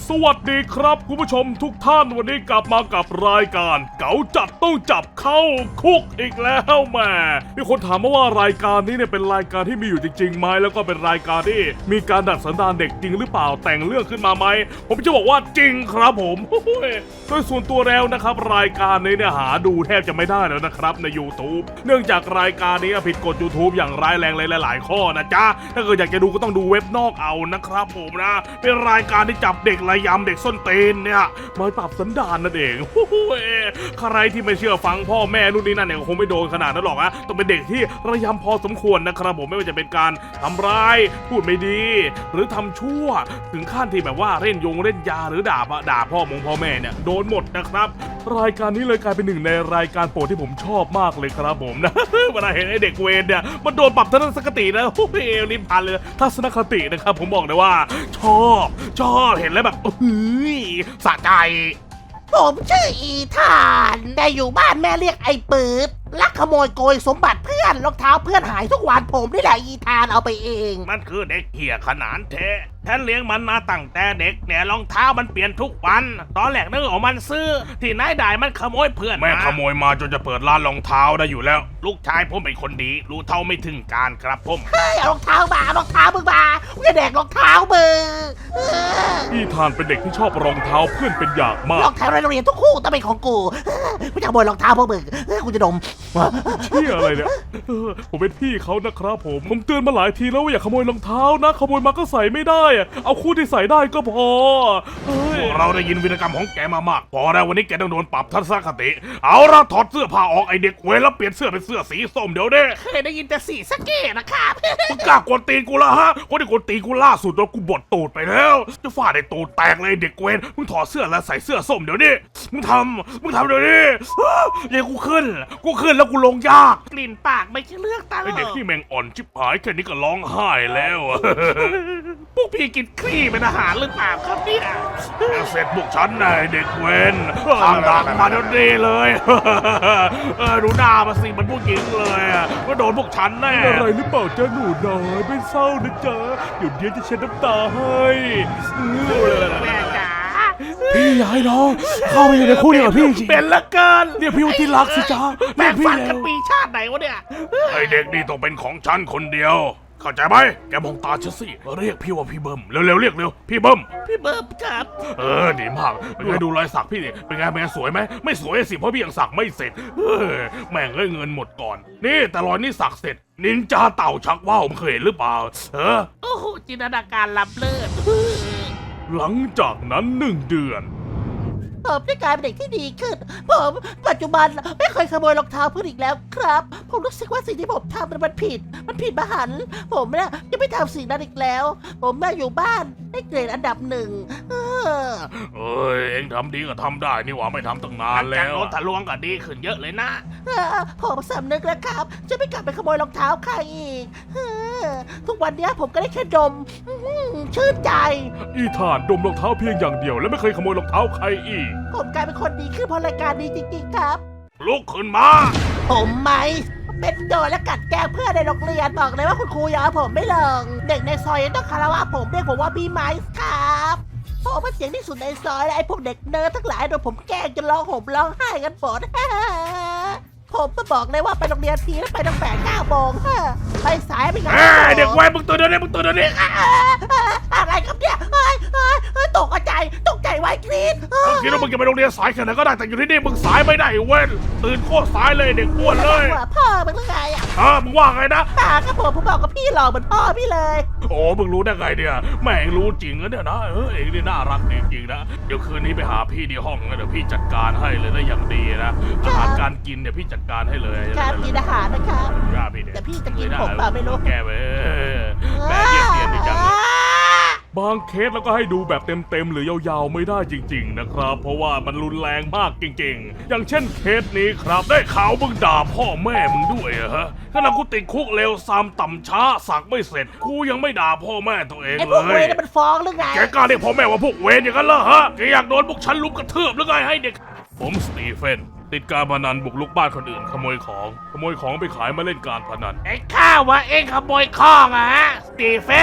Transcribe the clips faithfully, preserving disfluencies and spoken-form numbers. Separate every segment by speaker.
Speaker 1: สวัสดีครับคุณผู้ชมทุกท่านวันนี้กลับมากับรายการเก๋าจัดต้องจับเข้าคุกอีกแล้วแม่มีคนถามมาว่ารายการนี้เนี่ยเป็นรายการที่มีอยู่จริงๆไหมแล้วก็เป็นรายการที่มีการดัดสันดานเด็กจริงหรือเปล่าแต่งเรื่องขึ้นมาไหมผมจะบอกว่าจริงครับผมโดยส่วนตัวแล้วนะครับรายการนี้เนี่ยหาดูแทบจะไม่ได้แล้วนะครับใน YouTube เนื่องจากรายการนี้ผิดกฎ YouTube อย่างร้ายแรงเลยหลายๆข้อนะจ๊ะถ้าเกิดอยากจะดูก็ต้องดูเว็บนอกเอานะครับผมนะเป็นรายการที่จับเด็กระยำเด็กส้นตีนเนี่ยมาปรับสันดานนั่นเองใครที่ไม่เชื่อฟังพ่อแม่นู่นนี่นั่นเนี่ยคงไม่โดนขนาดนั้นหรอกนะต้องเป็นเด็กที่ระยำพอสมควรนะครับผมไม่ว่าจะเป็นการทำร้ายพูดไม่ดีหรือทำชั่วถึงขั้นที่แบบว่าเล่นยงเล่นยาหรือด่าด่าพ่อมงพ่อแม่เนี่ยโดนหมดนะครับรายการนี้เลยกลายเป็นหนึ่งในรายการโปรดที่ผมชอบมากเลยครับผมนะเวลาเห็นไอ้เด็กเวรเนี่ยมันโดนปรับทัศนคตินะโอ้ยลิ้นพันเลยทัศนคตินะครับผมบอกเลยว่าชอบชอบเห็นแล้วแบบเฮ้ยสะใจ
Speaker 2: ผมชื่ออีธานแต่อยู่บ้านแม่เรียกไอ้ปื๊ดลักขโมยโกยสมบัติเพื่อนรองเท้าเพื่อนหายทุกวันผมนี่แหละอีธานเอาไปเอง
Speaker 3: มันคือเด็กเหี้ยขนาดแท้ฉันเลี้ยงมันมาตั้งแต่เด็กเนี่ยรองเท้ามันเปลี่ยนทุกวันตอนแรกนึกออกมันซื้อที่นายได้มันขโมยเพื่อน
Speaker 1: แม่ขโมยมาจนจะเปิดร้านรองเท้าได้อยู่แล้ว
Speaker 3: ลูกชายผมเป็นคนดีรู้เท่าไม่ถึงการครับผม
Speaker 2: เฮ้ยเอารองเท้ามารองเท้ามึงมามึงจะแดกรองเท้ามึง
Speaker 1: พี่ทานเป็นเด็กที่ชอบรองเท้าเพื่อนเป็นอย่างมาก
Speaker 2: รองเท้าในโรงเรียนทุกคู่ต้องเป็นของกูกูจะขโมยรองเท้าพวกมึงกูจะดม
Speaker 1: เชี่ยอะไรเนี่ยผมเป็นพี่เขานะครับผมผมเตือนมาหลายทีแล้วว่าอย่าขโมยรองเท้านะขโมยมาก็ใส่ไม่ได้เอาคู่ที่ใส่ได้ก็พอ
Speaker 3: พวกเราได้ยินวีรกรรมของแกมามากพอแล้ววันนี้แกต้องโดนปรับทัศนคติเอาละถอดเสื้อผ้าออกไอเด็กเวรแล้วเปลี่ยนเสื้อเป็นเสื้อสีส้มเดี๋ยวเด้
Speaker 2: เคยได้ยินแต่สีสะเกตนะครับ
Speaker 3: มึงกล้ากวนตีนกูละฮะคนที่กวนตีนกูล่าสุดโดนกูบดตูดไปแล้วจะฟาดไอตูดแตกเลยเด็กเวรมึงถอดเสื้อแล้วใส่เสื้อส้มเดี๋ยวนี้มึงทำมึงทำเดี๋ยวนี้ยังกูขึ้นกูขึ้นแล้วกูลงยาก
Speaker 2: กลิ่นปากไม่ใช่เลือกตา
Speaker 1: ไอเด็กที่แมงอ่อนชิบหายแค่นี้ก็ร้องไห้แล้ว
Speaker 3: พวกพี่กินคลี่เป็นอาหารหรือเปล่าครับเนี่ย
Speaker 1: เสร็จพวกฉันนายเด็กเวนทำดักมาเดี๋ยวนี้เลย
Speaker 3: เออดูหน้ามาสิมันผู้หญิงเลยก็โดนพวกฉันแน่
Speaker 1: อะไรหรือเปล่าจ๊ะหนูน้อยไม่เศร้านะจ๊ะเดี๋ยวเดี๋ยวจะเช็ดน้ำตาให้
Speaker 2: แม่จ๋า
Speaker 1: พี่ยายน้องเข้าไปอยู่ในคู่เดียวกับพี่จริง
Speaker 3: เป็นละกัน
Speaker 1: เรียกพี่ว่าที่รักสิจ๊ะ
Speaker 3: แม่ฟันกันปีชาติไหนวะเนี่ย
Speaker 1: ไอเด็กนี่ต้องเป็นของฉันคนเดียวเข้าใจไหมแกมองตาฉันสิเรียกพี่ว่าพี่เบิ้มเร็วๆเรียกเร็วพี่เบิ้ม
Speaker 2: พี่เบิ้มครับ
Speaker 1: เออดีมากเป็นไงดูรอยสักพี่ดิเป็นไงแม่สวยไหมไม่สวยสิเพราะพี่ยังสักไม่เสร็จเออแม่งเลยเงินหมดก่อนนี่แต่รอยนี่สักเสร็จนินจาเต่าชักว่าวเคยเห็นหรือเปล่าเออ
Speaker 2: โอ้โหจินตนาการล้ำเลิศ
Speaker 1: หลังจากนั้นหนึ่งเดือน
Speaker 2: ผมได้กลายเป็นเด็กที่ดีขึ้นผมปัจจุบันไม่เคยขโมยรองเท้าเพื่อนอีกแล้วครับผมรู้สึกว่าสิ่งที่ผมทำมันผิดมันผิดมหันต์ผมเนี่ยจะไม่ทำสิ่งนั้นอีกแล้ว ผมมาอยู่บ้านได้เกรดอันดับหนึ่งเอ
Speaker 1: อเองทำดีก็ทำได้นี่หว่าไม่ทำตั้งนานแล้ว
Speaker 3: รถทะลวงก็ดีขึ้นเยอะเลยนะ
Speaker 2: ผมสำนึกแล้วครับจะไม่กลับไปขโมยรองเท้าใครอีกทุกวันนี้ผมก็ได้แค่ดมชื่นใจ
Speaker 1: อีธานดมรองเท้าเพียงอย่างเดียวและไม่เคยขโมยรองเท้าใครอีก
Speaker 2: ผมกลายเป็นคนดีขึ้นเพราะรายการนี้จริงๆครับ
Speaker 3: ลุกขึ้นมา
Speaker 2: ผมไหมเป็นโดนและกัดแกล้งเพื่อนในโรงเรียนบอกเลยว่าคุณครูยอมผมไม่ลงเด็กในซอยต้องคารวะผมเรียกผมว่าพี่ไม้ครับผมเป็นเสียงที่สุดในซอยและไอ้พวกเด็กเนิร์ดทั้งหลายโดนผมแกล้งจนร้องห่มร้องไห้กันหมดผมก็บอกเลยว่าไปโรงเรียนทีแล้วไปตั้งแต่เก้าโมงไปสายไปงาน
Speaker 3: เด็กวัยมึงตัวเดียวนี่มึงตัวเดียวนี่
Speaker 2: อะไรครับเนี่ยเฮ้ยเฮ้ยเฮ้ยตกใจตกใจไว้กรี๊ด
Speaker 3: มึงคิดว่ามึงจะไปโรงเรียนสายแค่ไหนก็ได้แต่อยู่ที่นี่มึงสายไม่ได้เว้ยตื่นโคตรสายเลยเด็กอ้วนเลย
Speaker 2: พ่อมึงเรื่องไงอ่ะ
Speaker 3: เออมึงว่าไงนะ
Speaker 2: ตากับผมผมบอกกับพี่หล่อเหมือนพ่อพี่เลย
Speaker 3: โอ้มึงรู้ได้ไงเนี่ยแม่งรู้จริงนะเนี่ยนะเออเองนี่น่ารักจริงๆนะเดี๋ยวคืนนี้ไปหาพี่ที่ห้องนะเดี๋ยวพี่จัดการให้เลยได้อย่างดีนะอาหารการกินเดี๋ยวพี่จัดการให้เลย
Speaker 2: ครับกินอาหารนะครับแต่พี่จะกินผมเปล่าไม่รู้
Speaker 3: แกเว้ยแม่เรียกเตียนไปจัง
Speaker 1: บางเคสแล้วก็ให้ดูแบบเต็มๆหรือยาวๆไม่ได้จริงๆนะครับเพราะว่ามันรุนแรงมากจริงๆอย่างเช่นเคสนี้ครับได้ข่าวมึงด่าพ่อแม่มึงด้วยอะฮะขณะกูติดคุกเร็วซามต่ำช้าสักไม่เสร็จกูยังไม่ด่าพ่อแม่ตัวเองเลยไอ้
Speaker 2: พวกเวรมันฟ้องหรือไง
Speaker 3: แกกล้าเรียกพ่อแม่ว่าพวกเวรอย่างนั้นเหรอฮะแกอยากโดนพวกฉันลุมกระทืบหรือไงให้เด็ก
Speaker 1: ผมสตีเฟนติดการพนันบุกลุกบ้านคนอื่นขโมยของขโมยของไปขายมาเล่นการพนัน
Speaker 3: ไอ้ข้าวะเองขโมยข้องอะฮะสตีเฟน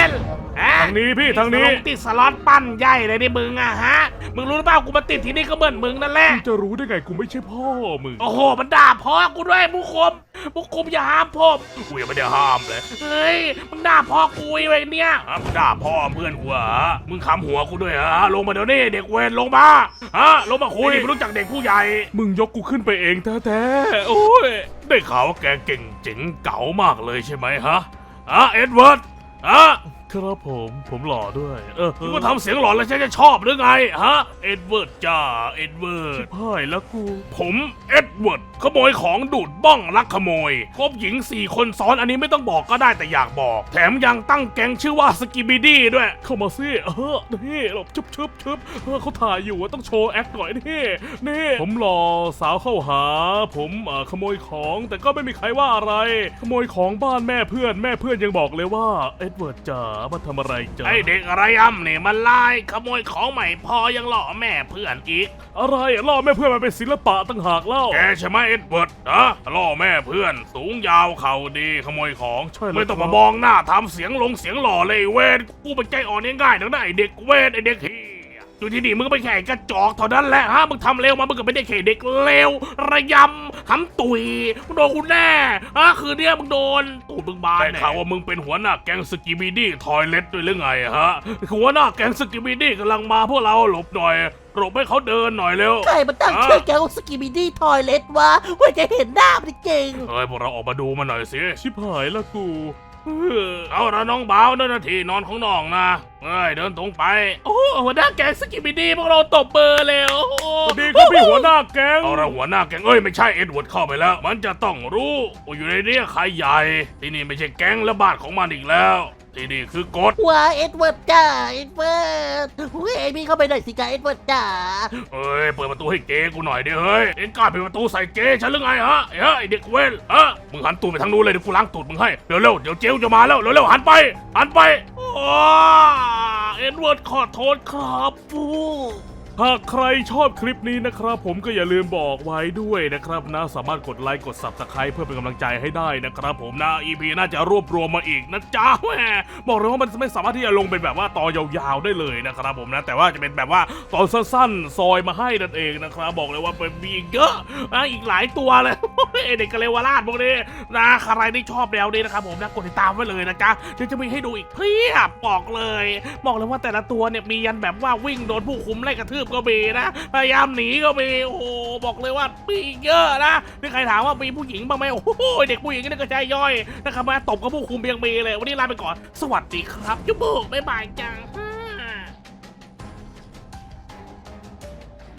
Speaker 3: ฮะ
Speaker 1: ทางนี้พี่ทางนี้
Speaker 3: ลงติดสล็อตปั้นใหญ่เลยนี่มึงอะฮะมึงรู้หรือเปล่ากูมาติดที่นี่ก็เหมือนมึงนั่นแหละ
Speaker 1: มึงจะรู้ได้ไงกูไม่ใช่พ่อมึง
Speaker 3: โอ้โหมันด่าพ่อกูด้วยผู้คุมผู้คุมอย่าห้ามผมกูยังไม่ได้ห้ามเลยเฮ้ยมึงด่าพ่อกูไอ้เนี่ยอ่ะมึงด่าพ่อเพื่อนกูเหรอมึงคำหัวกูด้วยเหรอลงมาเดี๋ยวนี้เด็กเวรลงมาฮะลงมาคุยไม่รู้จักเด็กผู้ใหญ่
Speaker 1: มึงยกกูขึ้นไปเองแท้ๆโอ้ย
Speaker 3: ได้ข่าวว่าแกเก่งเจ๋งเก๋ามากเลยใช่ไหมฮะอ่ะเอ็ดเวิร์ดอ่ะ
Speaker 1: ครับผมผมหล่อด้วย เออ
Speaker 3: มึงมาทำเสียงหลอนแล้วฉันจะชอบหรือไงฮะเอ็ดเวิร์ดจ้าเอ็ดเวิร์ด
Speaker 1: พ่ายแล้วกู
Speaker 3: ผมเอ็ดเวิร์ดขโมยของดูดบ้องลักขโมยคบหญิงสี่คนซ้อนอันนี้ไม่ต้องบอกก็ได้แต่อยากบอก แถมยังตั้งแก๊งชื่อว่าสกิบิดี้ด้วย
Speaker 1: เข้ามาสิเออนี่หลบชึบชึบชึบเออเขาถ่ายอยู่อะต้องโชว์แอคหน่อยนี่นี่ผมหล่อสาวเข้าหา ผมเอ่อขโมยของแต่ก็ไม่มีใครว่าอะไร ขโมยของบ้านแม่เพื่อนแม่เพื่อนยังบอกเลยว่าเอ็ดเวิร์ดจ๋ามาทำอะไรจ๋า
Speaker 3: ไอเด็กอะไรอ่ำเนี่ยมันไล่ขโมยของใหม่พอยังหล่อแม่เพื่อนอีก
Speaker 1: อะไรอะล่อแม่เพื่อนมันเป็นศิลปะตั้งหากเล่า
Speaker 3: แกใช่ไหมเอ็ดเวิร์ดนะล่อแม่เพื่อน สูงยาวเข่าดีขโมยของ
Speaker 1: ใช่เลย
Speaker 3: ไม่ต้อง
Speaker 1: ครั
Speaker 3: มา
Speaker 1: บ
Speaker 3: มองหน้าทำเสียงลงเสียงหล่อเลยเวนกูเป็นใจอ่อนง่ายๆนักนะไอเด็กเวนไอเด็กเฮียอยู่ที่นี่มึงก็ไปแข่งกระจอกเท่านั้นแหละฮะมึงทำเร็วมามึงก็ไม่ได้แข่เด็กเลวระยำหำตุยมึงโดนกูแน่ฮะคืนเนี้ยมึงโดนตูดมึงบานได้ข่าวว่ามึงเป็นหัวหน้าแก๊งสกิบิดี้ทอยเล็ตด้วยหรือไงฮะหัวหน้าแก๊งสกิบิดี้กำลังมาพวกเราหลบหน่อยหลบให้เขาเดินหน่อยเร็ว
Speaker 2: ใครมันตั้งชื่อแกว่าสกิบิดี้ทอยเลทวะว่าจะเห็นหน้ามันจริง
Speaker 3: เฮ้ยพวกเราออกมาดูมันหน่อยสิ
Speaker 1: ชิบหายแล้วกูเออ
Speaker 3: เอาละน้องบ่าวเดินนาทีนอนของน้องนะเอ้ยเดินตรงไป โอ้หัวหน้าแก๊งสกิบิดี้พวกเราตบเบอร์เลยโอ้โห
Speaker 1: สวัสดีครับพี่หัวหน้าแก๊ง
Speaker 3: เอาละหัวหน้าแก๊งเอ้ยไม่ใช่เอ็ดเวิร์ดเข้าไปแล้ว มันจะต้องรู้ว่าอยู่ในนี้ใครใหญ่ ที่นี่ไม่ใช่แก๊งและบ้านของมันอีกแล้ว ที่นี่คือกฎ
Speaker 2: ว่าเอ็ดเวิร์ดจ้าเอ็ดเวิร์ดเฮ้ยเอมี่เข้าไปหน่อยสิจ้าเอ็ดเวิร์ดจ้า
Speaker 3: เอ้ยเปิดประตูให้เจ๊กูหน่อยดิเฮ้ยเอ็งกล้าเปิดประตูใส่เจ๊ฉันหรือไงฮะเฮ้ยไอ้เด็กเว้นฮะมึงหันตูดไปทางนู้นเลยเดี๋ยวกูล้างตูดมึงให้เร็วเร็วๆเดี๋ยวเจ๊จะมาแล้วเร็วเร็วๆหันไปหันไปโอ้เอ็ดเวิร์ดขอโทษครับฟู
Speaker 1: หากใครชอบคลิปนี้นะครับผมก็อย่าลืมบอกไว้ด้วยนะครับนะสามารถกดไลค์กด ซับสไครบ์ เพื่อเป็นกำลังใจให้ได้นะครับผมนะ อี พี น่าจะรวบรวมมาอีกนะจ๊ะแหมบอกเลยว่ามันไม่สามารถที่จะลงเป็นแบบว่าตอนยาวๆได้เลยนะครับผมนะแต่ว่าจะเป็นแบบว่าตอนสั้นๆซอยมาให้นั่นเองนะครับบอกเลยว่าเป็นมีอีกเยอะนะอีกหลายตัวเลย เด็กกะเลวราชพวกนี้นะใครที่ชอบแนวนี้นะครับผมนะกดติดตามไว้เลยนะจ๊ะเดี๋ยวจะมีให้ดูอีกเพียบบอกเลย บอกเลยว่าแต่ละตัวเนี่ยมียันแบบว่าวิ่งโดนผู้คุมไล่กระทืบก็มีนะพยายามหนีก็มีโอ้โหบอกเลยว่ามีเยอะนะนี่ใครถามว่ามีผู้หญิงบ้างไหมโอ้โหเด็กผู้หญิงนี่ก็ใจย่อยนะครับมาตบกับผู้คุมยังมีเลยวันนี้ลาไปก่อนสวัสดีครับจุ๊บบ๊ายบายจ้า